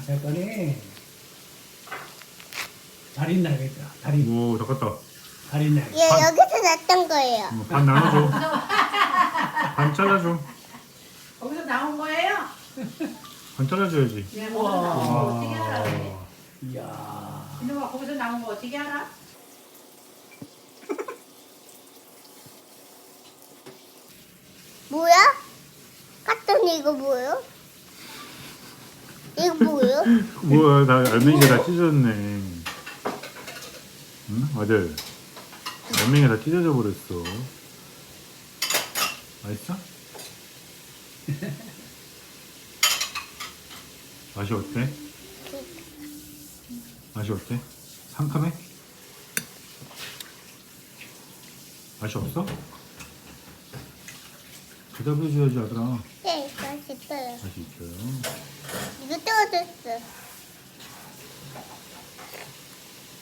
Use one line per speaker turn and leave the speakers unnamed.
어쨌거니 다리 나겠다. 다리
오, 닦았다.
다리 나.
얘 여기서 났던 거예요.
반 나눠줘. 반 잘라줘.
거기서 나온 거예요?
반 잘라줘야지.
예, 거기서 나온 거 어떻게 알아? 그래?
이야.
이놈아 거기서 나온 거 어떻게 알아?
뭐야? 갔더니 이거 뭐예요? 이거 뭐예요?
뭐야, 나 알맹이가 다 찢어졌네. 응? 아들. 알맹이가 다 찢어져 버렸어. 맛있어? 맛이 어때? 맛이 어때? 상큼해? 맛이 없어? 대답해줘야지 아들아.
네, 맛있어요.
맛이 있어요.
이거 떨어졌어.